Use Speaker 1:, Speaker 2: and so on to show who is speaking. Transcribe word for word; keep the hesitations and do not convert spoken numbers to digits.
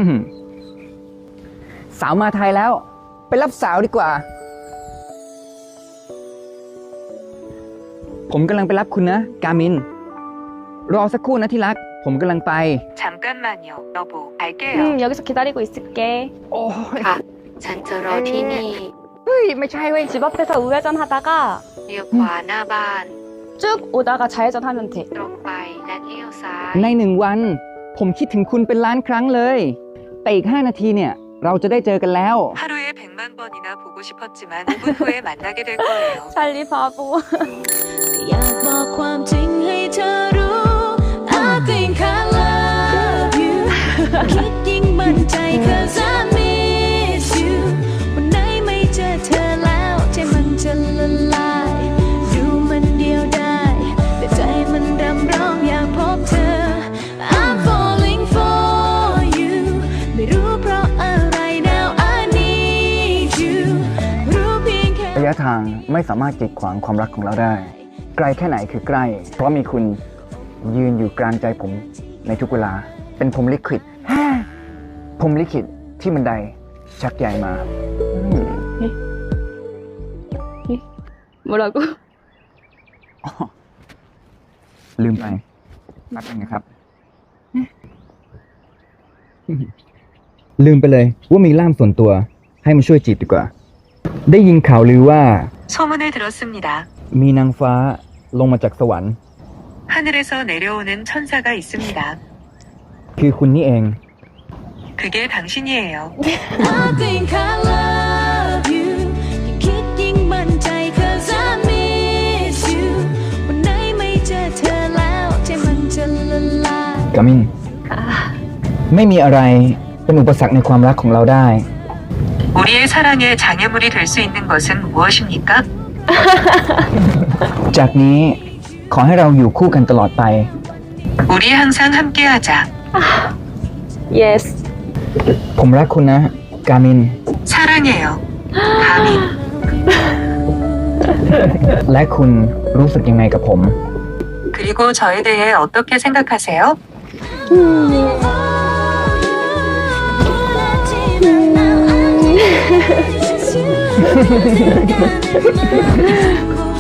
Speaker 1: สาวมาไทยแล้วไปรับสาวดีกว่าผมกำลังไปรับคุณนะกามินรอสักครู่นะที่รักผมกำลังไป
Speaker 2: 잠깐만요, 여보. 갈게요.
Speaker 3: 음, 여기서 기다리고 있을게.
Speaker 1: โอ้ย
Speaker 2: ค่ะ ฉันจะรอที่นี่
Speaker 1: เฮ้ยไม่ใช่เว้ย
Speaker 3: 집 앞에서 우회전 하다가
Speaker 2: เลี้ยวขวาหน้าบ้าน
Speaker 3: 쭉 오다가 좌회전 하면 돼.
Speaker 2: ตรงไปและเลี้ยวซ้าย
Speaker 1: ในหนึ่งวันผมคิดถึงคุณเป็นล้านครั้งเลยแต่อีกห้านาทีเนี่ยเราจะได้เจอกันแล้ว
Speaker 2: 하루에 백만 번이나 보고 싶었지만 오 분 후에 만나게 될 거예요.
Speaker 3: 찰리 바보.
Speaker 4: อยากบอกความจริงให้เธอรู้ I think I love you คิดยิ่งมั่นใจ cause I miss you วันไหนไม่เจอเธอแล้วใจมันจะละลายดูมันเดียวได้แต่ใจมันรำร้องอยากพบเธอ I'm falling for you ไม่รู้เพราะอะไร now I need you รู้เพียงแค่
Speaker 1: ระยะทางไม่สามารถกีดขวางความรักของเราได้ไกลแค่ไหนคือใกล้เพราะมีคุณยืนอยู่กลางใจผมในทุกเวลาเป็นผมลิขิตผมลิขิตที่บันไดชักใหญ่มาอืม
Speaker 3: 뭐라고?
Speaker 1: อ๋อลืมไปแป๊บนึงนะครับ ลืมไปเลยว่ามีล่ามส่วนตัวให้มาช่วยจีบดีกว่า ได้ยินข่าวลือว่า
Speaker 2: 소문을 들었습니다.
Speaker 1: มีนางฟ้าลงมาจากสวรรค์
Speaker 2: 하늘에서 내려오는 천사가 있습니다.
Speaker 1: คือคุณนี่เอง
Speaker 2: 그게 당신이에요.
Speaker 4: I think I love you ยิ่งคิดยิ่งมั่นใจ cause I miss you วันไหนไม่เจอเธอแล้วใจมันจะละลาย
Speaker 1: กามินไม่มีอะไรเป็นอุปสรรคในความรักของเราได้
Speaker 2: 우리의 사랑에 장애물이 될 수 있는 것은 무엇입니까?
Speaker 1: จากนี้ขอให้เราอยู่คู่กันตลอดไป
Speaker 2: 우리 항상 함께하자.
Speaker 3: Yes.
Speaker 1: ผมรักคุณนะกามิน
Speaker 2: 사랑해요. 가민.
Speaker 1: และคุณรู้สึกยังไงกับผม
Speaker 2: 그리고 저에 대해 어떻게 생각하세요?
Speaker 4: 음.